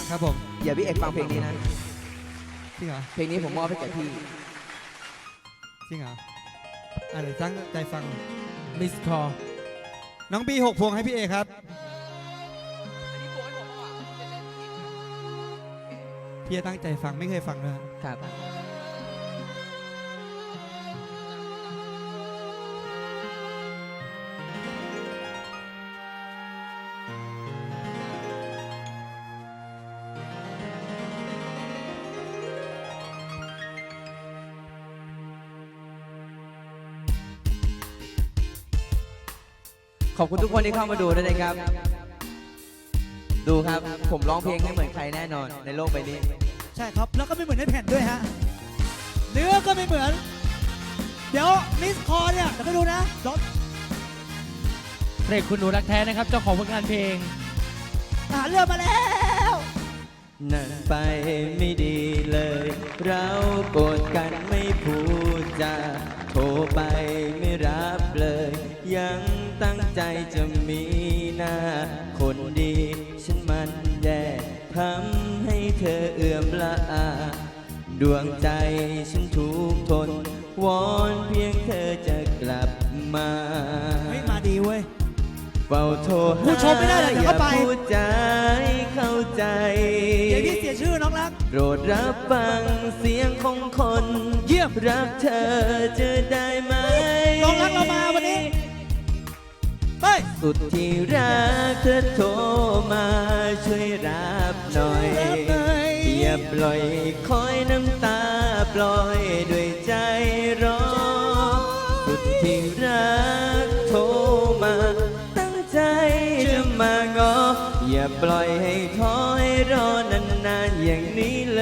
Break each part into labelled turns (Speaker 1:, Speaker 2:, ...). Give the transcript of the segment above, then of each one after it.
Speaker 1: ครับผม
Speaker 2: อย่าพี่เอกฟังเพลงนี้นะ
Speaker 1: จริงเหรอ
Speaker 2: เพลงนี้ผมมอบให้แก่พี่
Speaker 1: จริงเหรอเดี๋ยวตั้งใจฟัง
Speaker 3: มิสคอ
Speaker 1: น้องบี6 พวงให้พี่เอครับพี่จะตั้งใจฟังไม่เคยฟังเลย
Speaker 2: ครับ ขอบคุณทุกคนที่เข้ามาดูด้วยนะครับ ดูครับ ผมร้องเพลงไม่เหมือนใครแน่นอนในโลกใบนี้
Speaker 4: ใช่ครับแล้วก็ไม่เหมือนในแผ่นด้วยฮะเนื้อก็ไม่เหมือน เดี๋ยวมิสคอเนี่ยเดี๋ยวไปดูนะรถ
Speaker 3: เพลงคุณหนูรักแท้นะครับเจ้าของผลงานเพลง
Speaker 4: ทหารเรือมาแล้ว
Speaker 2: นั่นไปไม่ดีเลย เราโกรธกันไม่พูดจาโทรไปไม่รับเลย ยังตั้งใจจะมีหน้า คนดีฉันมันแย่ทำให้เธอเอื่อมละอา ดวงใจฉันทุกทน วอนเพียงเธอจะกลับมา
Speaker 4: เฮ้ยมาดีเว้ย
Speaker 2: เฝ้าโทรหา
Speaker 4: ผู้ชมไม่ได้เลยเดี๋ยวเข้าไป
Speaker 2: อย่พูดใจเข้าใจ
Speaker 4: เดี๋ยวพี่เสียชื่อน้องรัก
Speaker 2: โปรดรับฟังเสียงของคน
Speaker 4: เยี่ยม
Speaker 2: รักเธอจะได้ไหม
Speaker 4: น้องรักเรามาวันนี้ไป
Speaker 2: สุดที่รักเธอโทรมาช่วยรับหน่อย
Speaker 4: รับหน่อย
Speaker 2: อย่าปล่อยคอยน้ำตาปล่อยด้วยใจร้อนสุดที่รักโทรมาตั้งใจจะมางอ อย่าปล่อยให้คอยรอนานๆอย่างนี้เลย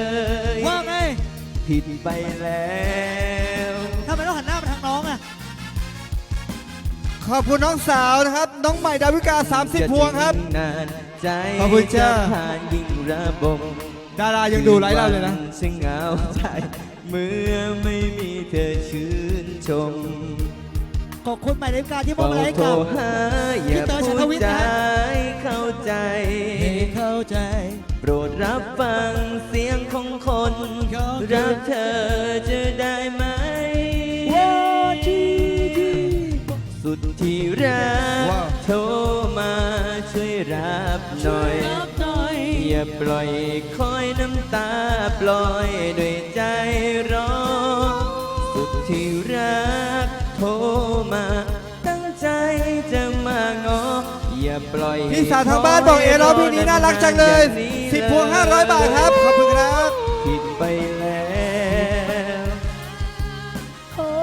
Speaker 4: ว่าไง
Speaker 2: ผิดไปแล้ว
Speaker 4: ทำไมต้องหันหน้ามาทางน้องอ่ะ
Speaker 1: ขอบคุณน้องสาวนะครับ น้องใหม่ดาวิกา30 พวงครับ
Speaker 2: นานใจ
Speaker 1: ขอบคุณจ้า
Speaker 2: ผ่านยิ่งระบม
Speaker 1: ดารายังดูไลฟ์เราเลยนะ
Speaker 2: ฉันเหงาใจเมื่อไม่มีเธอชื่นชม
Speaker 4: ขอบคุณหมายเลขการที่มอบมาให้
Speaker 2: โทร
Speaker 4: กับ
Speaker 2: หาอย่า
Speaker 4: พี่เต๋อชั
Speaker 2: พู
Speaker 4: นท
Speaker 2: ด
Speaker 4: วิทย์
Speaker 2: ใจ
Speaker 4: นะ
Speaker 2: เข้าใจ
Speaker 4: ให้เข้าใจ
Speaker 2: โปรดรับฟังเสียงของคน
Speaker 4: ของ
Speaker 2: รักเธอจะได้ไหม สุดที่รัก
Speaker 1: ว้าว
Speaker 2: โทรมาช่วยรับหน่อย
Speaker 4: รับหน่อย
Speaker 2: อย่าปล่อยคอยน้ำตาปล่อยด้วยใจร้อนสุดที่รักโทรมาตั้งใจจะมางอ อย่าปล่อย
Speaker 1: พี่สาวทางบ้านบอกเอร้องเพลงนี้น่ารักจังเลย 10 พวง500 บาทครับ ขอบคุณครับ
Speaker 2: ผิดไปแล้ว
Speaker 4: โอ้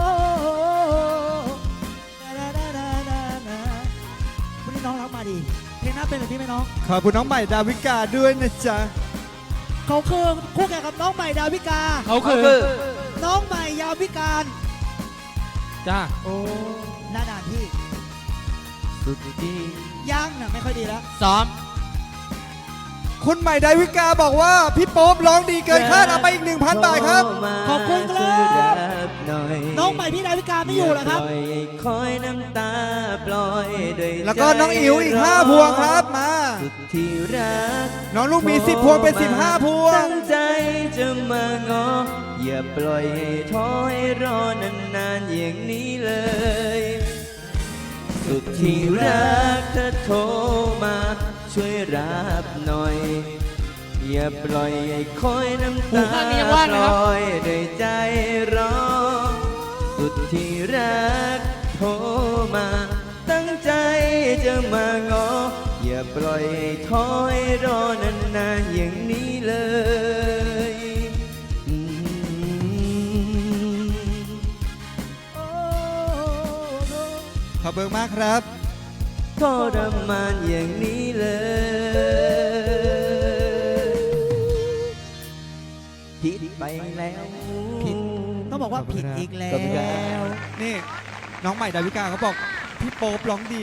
Speaker 4: วันนี้น้องรักมาดี เพลงหน้าเป็นแบบนี้ไหมน้อง
Speaker 1: ขอบคุณน้องใหม่ดาวิกาด้วยนะจ๊ะ
Speaker 4: เขาคือคู่แข่งกับน้องใหม่ดาวิกา
Speaker 3: เขาคือ
Speaker 4: น้องใหม่ยาวิการ
Speaker 3: จ้า
Speaker 4: โอ้หน้าด่านพี่
Speaker 2: สุดที่
Speaker 4: ย่างน่ะไม่ค่อยดีแล้ว
Speaker 3: ซ้อม
Speaker 1: คุณใหม่ดาวิกาบอกว่า พี่โป๊ปร้องดีเกินคาดเอาไปอีก 1,000 บาทครับ
Speaker 4: ขอบคุณครับ
Speaker 2: ช่วยรับหน่อย
Speaker 4: น้องใหม่พี่ดาวิกาไม่อยู่เหรอครับ
Speaker 2: ปล่อยคอยน้ำตาปล่อยด้วย
Speaker 1: แล้วก็น้องอิ๋วอีก 5 พวงครับมา
Speaker 2: สุดที่รัก
Speaker 1: น้องลูกหมี10 พวงเป็น 15 พวง
Speaker 2: ตั้งใจจะมางอ อย่าปล่อยให้ท้อให้รอนานๆอย่างนี้เลย สุดที่รักเธอโทรมาช่วยรับหน่อย อย่าปล่อยให้คอยน้ำ
Speaker 3: หู
Speaker 2: ตา
Speaker 3: ข้างนี้ยังว่าง
Speaker 2: ป
Speaker 3: นะครับ
Speaker 2: ล่อยด้วยใจร้อนสุดที่รักโทรมา ตั้งใจจะมางอ อย่าปล่อยให้ท้อให้รอนานๆอย่างนี้เลยอืม
Speaker 1: ขอบคุณมากครับ
Speaker 2: ทรมานอย่างนี้เลยผิดไปแล้ว
Speaker 4: ผิด ต้องบอกว่าผิดอีกแล้
Speaker 2: ขอบคุณครั
Speaker 4: ว
Speaker 2: บ
Speaker 1: นี่ น้องใหม่ดาวิกาเขาบอก พี่โป๊ปร้องดี